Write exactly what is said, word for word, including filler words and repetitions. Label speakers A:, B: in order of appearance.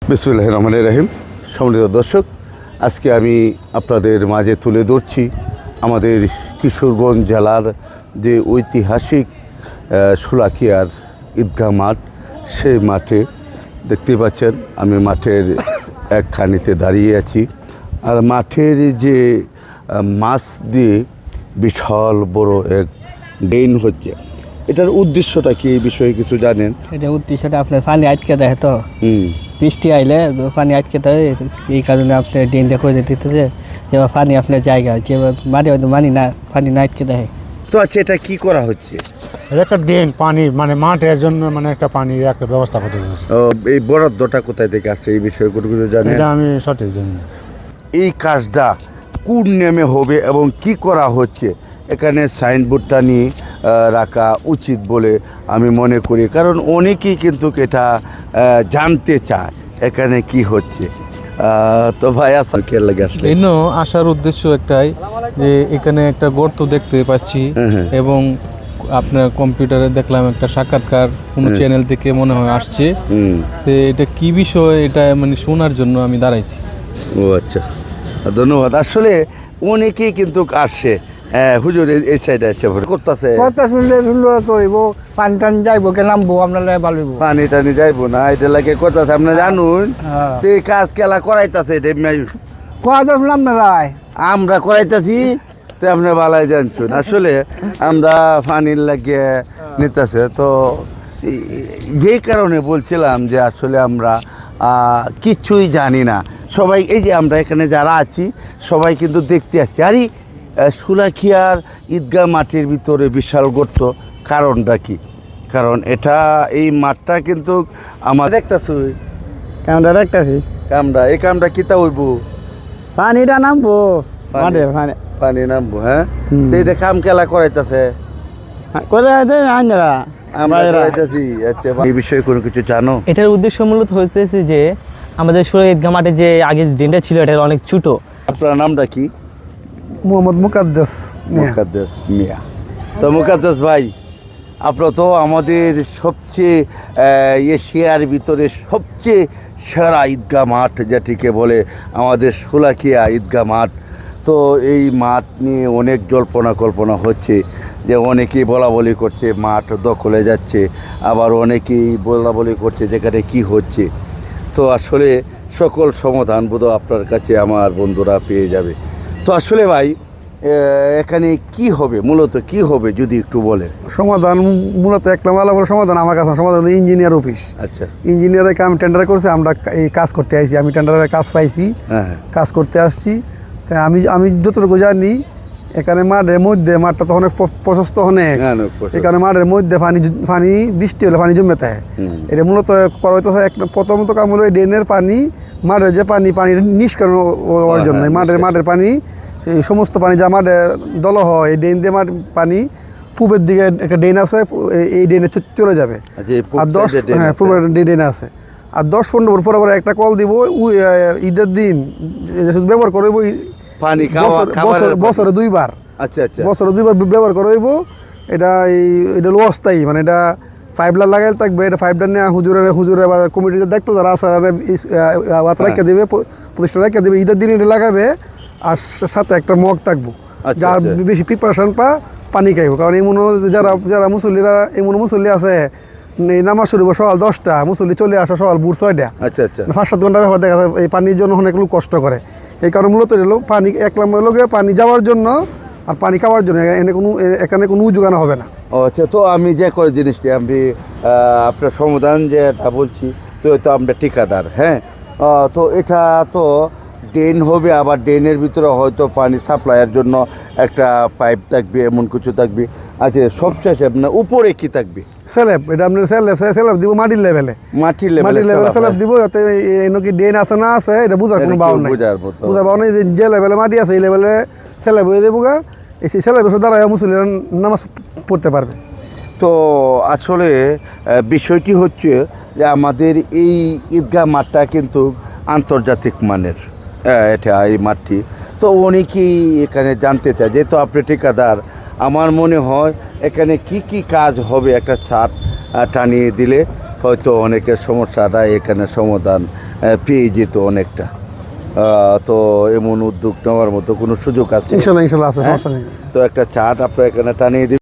A: বিসমিল্লাহির রহমানির রহিম। সম্মানিত দর্শক, আজকে আমি আপনাদের মাঝে তুলে ধরছি আমাদের কিশোরগঞ্জ জেলার যে ঐতিহাসিক শোলাকিয়ার ঈদগাহ মাঠ। সেই মাঠে দেখতে পাচ্ছেন আমি মাঠের একখানিতে দাঁড়িয়ে আছি। আর মাঠের যে মাছ দিয়ে বিশাল বড় এক ড্রেন হচ্ছে, এটার উদ্দেশ্যটা কি, এই বিষয়ে কিছু জানেন?
B: এটা উদ্দেশ্যটা আপনার পানি আটকে দেয়, তো
A: হুম
B: বৃষ্টি আইলে পানি আটকে দেয়, এই কারণে আপনার ড্রেনটা করে দিতেছে যে পানি আপনার জায়গা যে মাটি হয়তো মানি না পানি না আটকে দেয়।
A: তো আচ্ছা, এটা কি করা হচ্ছে?
C: একটা ড্রেন পানি মানে মাঠের জন্য মানে একটা পানির একটা ব্যবস্থা করতে হচ্ছে।
A: ও, এই বরাদ্দটা কোথায় থেকে আসছে, এই বিষয়ে কোনো কিছু জানেন?
C: এটা আমি সঠিক জানি না।
A: এই কাজটা কোন নেমে হবে এবং কি করা হচ্ছে, এখানে সাইনবোর্ডটা নিয়ে রাখা উচিত বলে আমি মনে করি, কারণ অনেকেই কিন্তু এটা জানতে চায় এখানে কি হচ্ছে। তো ভাই আসা কে লাগে আসলে
D: এই আসার উদ্দেশ্য একটাই যে এখানে একটা গর্ত দেখতে পাচ্ছি এবং আপনার কম্পিউটারে দেখলাম একটা সাক্ষাৎকার কোনো চ্যানেল থেকে মনে হয় আসছে, তো এটা কি বিষয় এটা মানে শোনার জন্য আমি দাঁড়াইছি।
A: ও আচ্ছা, ধন্যবাদ। আসলে অনেকেই কিন্তু আসে, হ্যাঁ হুজুর এই সাইডে এসে করতেছে
B: পানি টানি যাইবো কে নামবো আপনার ভালো
A: পানি টানি যাইবো না, এটা লাগে করতেছে আপনি জানুন। তো এই কাজ কেলা করাইতেছে আমরা করাইতেছি, তো আপনি ভালাই জানছুন। আসলে আমরা পানির লাগিয়ে নিতেছে, তো যেই কারণে বলছিলাম যে আসলে আমরা কিছুই জানি না। সবাই এই যে আমরা এখানে যারা আছি সবাই কিন্তু দেখতে আসছি, আরে শোলাকিয়ার ঈদগাহ মাঠের ভিতরে বিশাল গর্ত, কারণটা কি? কারণ এটা এই মাঠটা কিন্তু আমার দেখতেছি
B: কামটা দেখতেছি
A: কামটা এই কামটা কিতা হইব,
B: পানিটা নামবো
A: পানি নামবো। হ্যাঁ, তো এটা কাম কেলা করাইতেছে
B: কোথায় আছে
A: আমরা করাইতেছি। আচ্ছা, এই বিষয়ে কোনো কিছু জানো?
B: এটার উদ্দেশ্য মূলত হচ্ছে যে আমাদের শোলাকিয়া ঈদগাহ মাঠে যে আগে ড্রেনটা ছিল এটা অনেক ছোট। আপনার
A: নামটা কি?
E: মোহাম্মদ মুকাদ্দাস
A: মুকাদ্দাস মিয়া। তো মুকাদ্দাস ভাই, আপনার তো আমাদের সবচেয়ে এশিয়ার ভিতরে সবচেয়ে সেরা ঈদগাহ মাঠ যেটিকে বলে আমাদের শোলাকিয়া ঈদগাহ মাঠ। তো এই মাঠ নিয়ে অনেক জল্পনা কল্পনা হচ্ছে, যে অনেকেই বলা বলি করছে মাঠ দখলে যাচ্ছে, আবার অনেকেই বলা বলি করছে যেখানে কি হচ্ছে। তো আসলে সকল সমাধান বোধহয় আপনার কাছে আমার বন্ধুরা পেয়ে যাবে। তো আসলে ভাই এখানে কি হবে, মূলত কি হবে যদি একটু বলেন?
E: সমাধান মূলত একটা মালা বড় সমাধান আমার কাছে সমাধান হলো ইঞ্জিনিয়ার অফিস। আচ্ছা, ইঞ্জিনিয়ারের কাম টেন্ডার করছে, আমরা এই কাজ করতে আসছি, আমি টেন্ডারের কাজ পাইছি, কাজ করতে আসছি। আমি আমি যতটুকু জানি এখানে মাঠের মধ্যে, মাঠটা তো অনেক প্রশস্ত অনেক, এখানে মাঠের মধ্যে পানি পানি বৃষ্টি হলে পানি জমে থাকে। এটা মূলত করা হইতেছে একটা প্রথমত কাম হলো ড্রেনের পানি, মাঠের যে পানি পানি নিষ্কাশন হওয়ার জন্য মাঠের মাঠের পানি এই সমস্ত পানি যা মাঠে দল হয়, এই ড্রেন দিয়ে মাঠ পানি পূবের দিকে একটা ড্রেন আছে, এই ড্রেনে চলে যাবে। আর দশ হ্যাঁ পূবের ড্রেন আছে, আর দশ পনেরো বছর পরে একটা কল দিব ঈদের দিন ব্যবহার করবো পানি বছরে দুইবার। আচ্ছা আচ্ছা, বছরে দুইবার ব্যবহার করবো। এটা এই এটা হলো অস্থায়ী, মানে এটা পাইপ লাইন লাগাই থাকবে। এটা পাইপ লাইন নিয়ে হুজুরে হুজুরে বা কমিটিতে দেখতো যারা আছে রেখে দেবে, প্রতিষ্ঠান রেখে দেবে, ঈদের দিন এটা লাগাবে। আর সাথে একটা মগ থাকবো, যার বেশি প্রিপারেশন পা পানি খাইব। কারণ এমন যারা যারা মুসল্লিরা এমন মুসল্লি আছে এই নামাজ শুরু সকাল দশটা, মুসল্লি চলে আসা সকাল ভোর ছয়টা। আচ্ছা আচ্ছা, পাঁচ সাত ঘন্টা ব্যাপার দেখা যায়। এই পানির জন্য অনেক লোক কষ্ট করে, এই কারণে মূলত এলো পানি এক নম্বর লোকে পানি যাওয়ার জন্য আর পানি খাওয়ার জন্য এখানে কোনো এখানে কোনো যোগানো হবে না।
A: ও আচ্ছা, তো আমি যে কয় জিনিসটি আমি আপনার সমাধান যেটা বলছি, তো তো আমরা ঠিকাদার। হ্যাঁ, তো এটা তো ড্রেন হবে, আবার ড্রেনের ভিতরে হয়তো পানি সাপ্লাইয়ের জন্য একটা পাইপ থাকবে, এমন কিছু থাকবে। আচ্ছা, সবশেষে আপনার উপরে কি থাকবে?
E: স্ল্যাব। এটা আপনার স্ল্যাব স্ল্যাব দিব মাটির লেভেলে, মাটির লেভেলে লেভেলে স্ল্যাব দিব, যাতে এনকি ড্রেন আছে না আছে এটা বুঝার কোনো বাউন্ড নাই, বুঝার বাউন্ড নাই। যে লেভেলে মাটি আছে এই লেভেলে স্ল্যাব হয়ে দেবো গা, এই স্ল্যাবের দ্বারা মুসলিরা নামাজ পড়তে পারবে।
A: তো আসলে বিষয়টি হচ্ছে যে আমাদের এই ঈদগাহ মাঠটা কিন্তু আন্তর্জাতিক মানের, এটা এই মাঠটি। তো অনেকেই এখানে জানতে চায়, যেহেতু আপনি ঠিকাদার, আমার মনে হয় এখানে কি কি কাজ হবে একটা ছাদ টানিয়ে দিলে হয়তো অনেকের সমস্যাটা এখানে সমাধান পেয়ে যেত অনেকটা। আহ, তো এমন উদ্যোগ নেওয়ার মতো কোনো সুযোগ আছে?
E: ইনশাল্লাহ ইনশাল্লাহ আছে,
A: হ্যাঁ?
E: সমস্যা নেই।
A: তো একটা চার্ট আপনার এখানে টানিয়ে দিন।